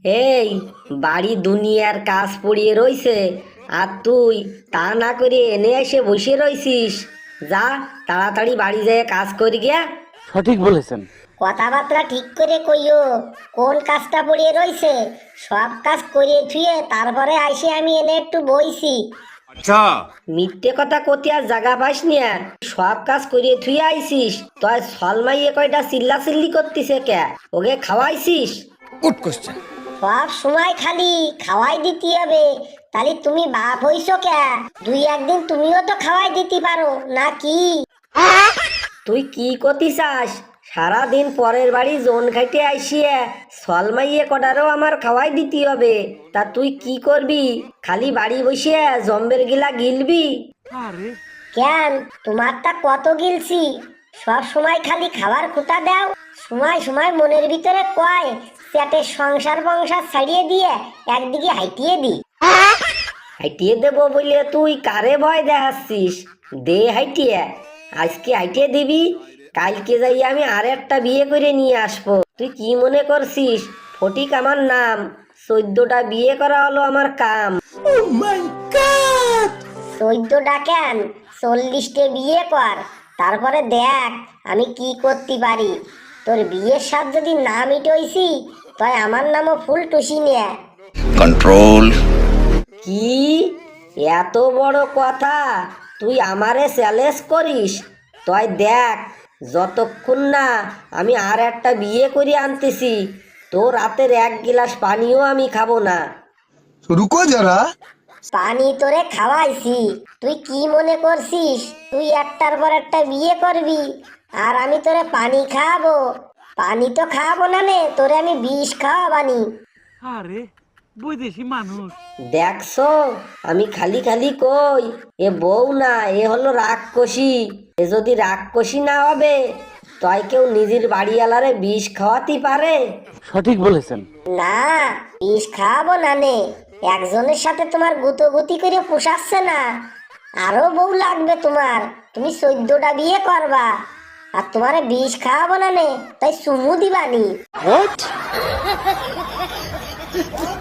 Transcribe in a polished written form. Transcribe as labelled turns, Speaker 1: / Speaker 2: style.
Speaker 1: এই বাড়ি দুনিয়ার কাজ পড়িয়ে রইছে, আর তুই তা না করে এনে এসে বসে রইছিস। যা, তাড়াতাড়ি বাড়ি যেয়ে কাজ করি গিয়া।
Speaker 2: সঠিক বলেছেন।
Speaker 3: কথাবার্তা ঠিক করে কইও, কোন কাজটা পড়িয়ে রইছে। সব কাজ করিয়ে থুয়ে তারপরে আইসে আমি এনে একটু বইছি।
Speaker 1: মিথ্যে কথা কতি আর জাগা পাস নিয়া, সব কাজ করিয়ে থুয়ে আইছিস। তুই সলমাইয়ে কয়টা চিল্লা চিল্লি করতিছে কে? ওকে খাওয়াইছিস?
Speaker 3: সব সময় খালি খাওয়াই দিতে হবে, তাহলে তুমি বাপ হইছো কে? দুই একদিন তুমিও তো খাওয়াই দিতে পারো নাকি?
Speaker 1: তুই কি করতি চাস? সারাদিন পরের বাড়ি জোন খাইতে আইসিয়ে সলমাইয়ে কটারও আমার খাওয়াই দিতে হবে। তা তুই কি করবি? খালি বাড়ি বসিয়ে জম্বের গিলা গিলবি?
Speaker 3: কেন, তোমারটা কত গিলছি? সব সময় খালি খাবার খুঁটা দাও, সময় সময় মনের ভিতরে কয় পেটের সংসার বংসার ছাড়িয়ে দিয়ে একদিকে হাইটিয়ে দি।
Speaker 1: হাইটিয়ে দেবো বলে তুই কারে ভয় দেখাচ্ছিস? দে হাইটিয়ে, আজকে হাইটিয়ে দিবি, কালকে যাই আমি আর একটা বিয়ে করে নিয়ে আসবো। তুই কি মনে করছিস ফটিক আমার নাম? 14টা বিয়ে করা হলো আমার কাম।
Speaker 3: 14টা কেন, 40টে বিয়ে কর, তারপরে দেখ আমি কি করতে পারি। তোর বিয়ের সাথ যদি না মিটইছি, তাই আমার নামও ফুল টুসি নিয়ে।
Speaker 4: control
Speaker 1: কি এত বড় কথা তুই আমারে চ্যালেঞ্জ করিস? তুই দেখ, যতক্ষণ না আমি আর একটা বিয়ে করে আনতেছি, তোর রাতের এক গিলাস পানিও আমি খাবো না।
Speaker 4: रुको जरा।
Speaker 3: পানি তোরে খাওয়াইছি, তুই কি মনে করছিস তুই একটার পর একটা বিয়ে করবি আর আমি তোরে পানি খাওয়াবো? পানি তো খাওয়াবো না নে, তোরে আমি বিষ খাওয়াবানি।
Speaker 2: আরে বৈদেশি মানুষ।
Speaker 1: দেখছো, আমি খালি খালি কই এ বউ না, এ হলো রাক্ষসী। এ যদি রাক্ষসী না হবে, তয় কেউ নিজের বাড়িওয়ালারে বিষ খাওয়াতে পারে?
Speaker 2: সঠিক বলেছেন।
Speaker 3: না, বিষ খাওয়াবো না নে, একজনের সাথে তোমার গুতোগুতি করে পোষাচ্ছে না, আরো বউ লাগবে তোমার। তুমি 14টা বিয়ে করবা আর তোমারে বিষ খাওয়াবো না নে, তাই চুমু দিবানি।